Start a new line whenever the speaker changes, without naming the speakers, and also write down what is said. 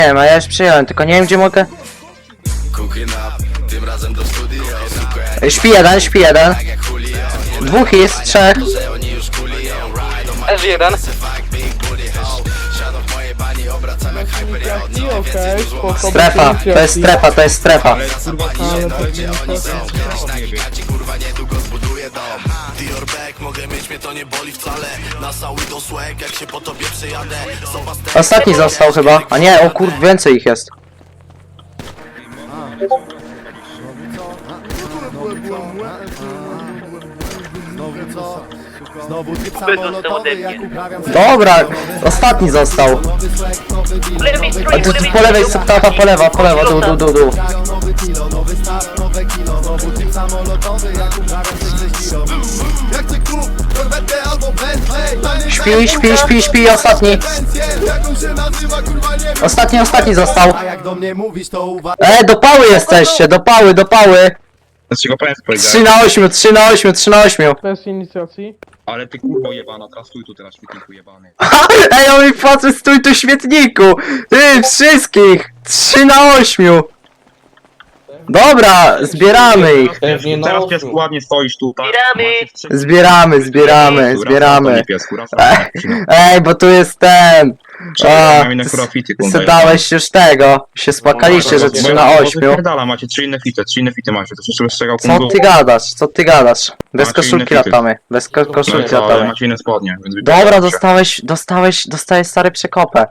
wiem, a ja już przyjąłem, tylko nie wiem gdzie mogę. Śpi jeden. Dwóch jest, trzech.
S1.
Okej, spoko.
Strefa, to jest strefa. Ostatni został chyba, a nie, o kurde, więcej ich jest.
Znowu typ samolotowy, jak uprawiam
Dobra, ostatni został. A tu po lewej jest tapa, po lewa, dół.
nowy kilo, nowy start, nowe kilo. Znowu typ samolotowy, jak uprawiam 6 kilo. Jak chcę kup, korwetę albo Bentley.
Śpi, ostatni.
Jak on się nazywa, kurwa nie wiem.
Ostatni został.
A jak do mnie mówisz, to uwaga.
Do pały jesteście, do pały.
Dlaczego państwo powiedziałeś?
3 na 8.
Bez inicjacji.
Ale ty kurwo jebana, teraz stój tu teraz świetniku jebany.
Ej, on mi płacze, stój tu śmietniku! Ty, wszystkich! 3 na 8! Dobra, zbieramy ich!
Teraz piesku ładnie stoisz tu, tak?
Zbieramy. Ej, bo tu jest ten! Ty dałeś już tego. Się spłakaliście, że 3 na 8.
Macie 3 inne fity macie, to jeszcze strzegał
Co ty gadasz? Bez
Macie
koszulki
inne fity.
latamy. Bez koszulki
ale
latamy.
macie inne spodnie, więc
Dobra, dostałeś stary przekopę.